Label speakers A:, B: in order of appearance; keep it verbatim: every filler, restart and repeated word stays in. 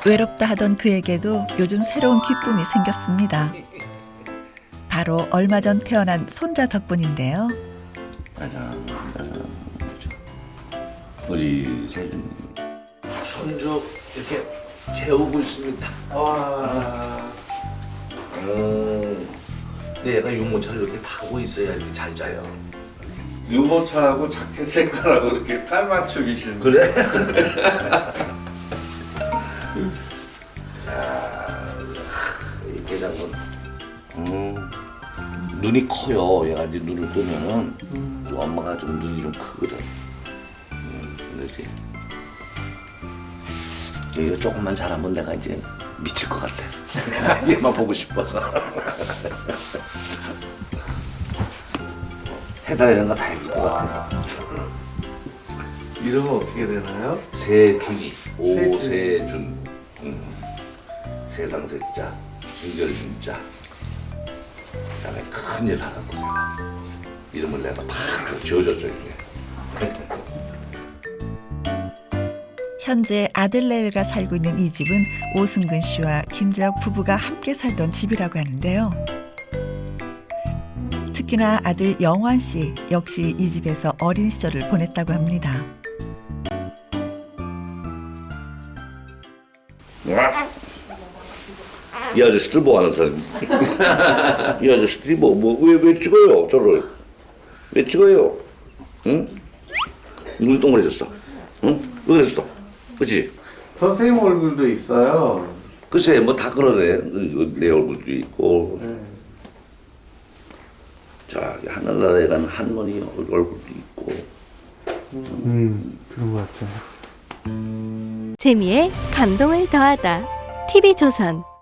A: 외롭다 하던 그에게도 요즘 새로운 기쁨이 생겼습니다. 바로 얼마 전 태어난 손자 덕분인데요.
B: 짜잔, 짜잔. 우리 세준 손주 이렇게 재우고 있습니다. 와. 음, 근데 얘가 유모차를 이렇게 타고 있어야 이렇게 잘 자요.
C: 유모차하고 자켓 색깔하고 이렇게 깔맞춤이신.
B: 그래? 자, 이렇게 장군. 음, 눈이 커요. 얘가 이제 눈을 뜨면은 음. 엄마가 좀 눈이 좀 크거든. 음, 그렇지. 이거 조금만 잘하면 내가 이제 미칠 것 같아. 얘만 보고 싶어서. 해달라는 거 다 해줄 것 같아서.
C: 이름은 어떻게 되나요?
B: 세준이,
C: 세준.
B: 오세준. 음. 세상 세자, 진결 진자. 그다음에 큰일 하라고 내가. 이름을 내가 팍 지어줬죠 이제.
A: 현재 아들 내외가 살고 있는 이 집은 오승근 씨와 김재혁 부부가 함께 살던 집이라고 하는데요. 특히나 아들 영환 씨 역시 이 집에서 어린 시절을 보냈다고 합니다.
B: 이 아저씨들 뭐 하는 사람? 이 아저씨들이 뭐, 뭐, 왜, 왜 찍어요? 저를. 왜 찍어요? 응? 눈이 동그래졌어. 응? 왜 그랬어? 그치?
C: 선생님 얼굴도 있어요.
B: 글쎄, 뭐 다 그러네. 이거 내 얼굴도 있고.
C: 네.
B: 자, 하늘나라에 가는 할머니 얼굴도 있고.
D: 음, 그런 것 같아요.
E: 재미에 감동을 더하다. 티비조선